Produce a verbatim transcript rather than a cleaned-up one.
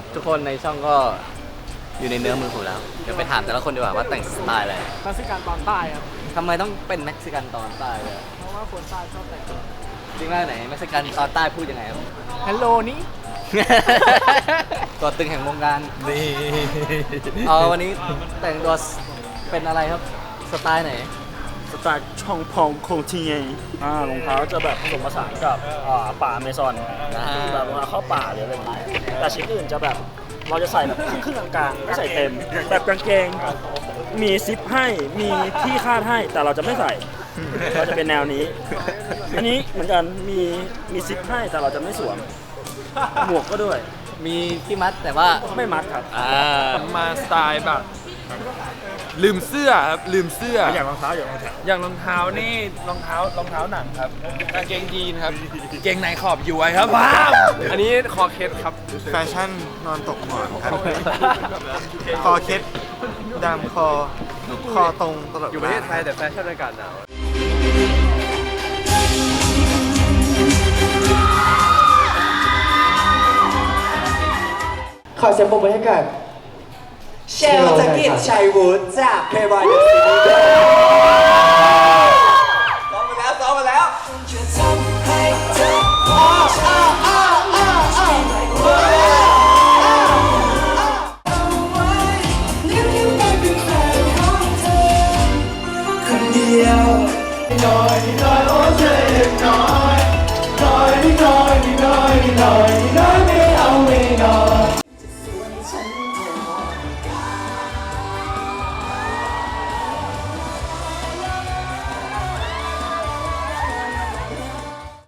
ทุกคนในช่องก็อยู่ในเนื้อมือผมแล้วเดี๋ยวไปถามแต่ละคนดีกว่าว่าแต่งสไตล์อะไรเม็กซิกันตอนใต้ครับทำไมต้องเป็นเม็กซิกันตอนใต้เลยเพราะว่าคนใต้ชอบแต่งจริงไหมไหนเม็กซิกันตอนใต้พูดยังไงครับฮัลโหลนี่ตัวตึงแห่งวงการนี่เออวันนี้แต่งตัวเป็นอะไรครับสไตล์ไหนสไตล์ช่องพองโคงทีไงอ่ารองเท้าจะแบบผสมผสานกับอ่าป่าอเมซอนอ่าแบบรองเท้าเข้าป่าหรืออะไรอย่างเงี้ยแต่ชิ้นอื่นจะแบบเราจะใส่แบบครึ่งๆกลางๆไม่ใส่เต็ม แบบกางเกงมีซิปให้มีที่คาดให้แต่เราจะไม่ใส่เราจะเป็นแนวนี้ อันนี้เหมือนกันมีมีซิปให้แต่เราจะไม่สวมหมวกก็ด้วยมีที่มัดแต่ว่าไม่มัดครับอ่ามาสไตล์แบบ ลืมเสื้อครับลืมเสื้ออย่างรองเท้าอย่างรองเท้าอย่างรองเท้านี่รองเท้ารองเท้าหนังครับกางเกงยีนครับเกงในขอบย้วยครับว้าวอันนี้คอเคสครับแฟชั่นนอนตกหมอนครับ คอเคล็ดดามคอ คอตรงตลอดอยู่ประเทศไทยแต่แฟชั่นอากาศหนาวขอเสียงปรบมือให้กับเชลจากกิจชัยวุฒิจากเพย์บอยเดอะซีรีส์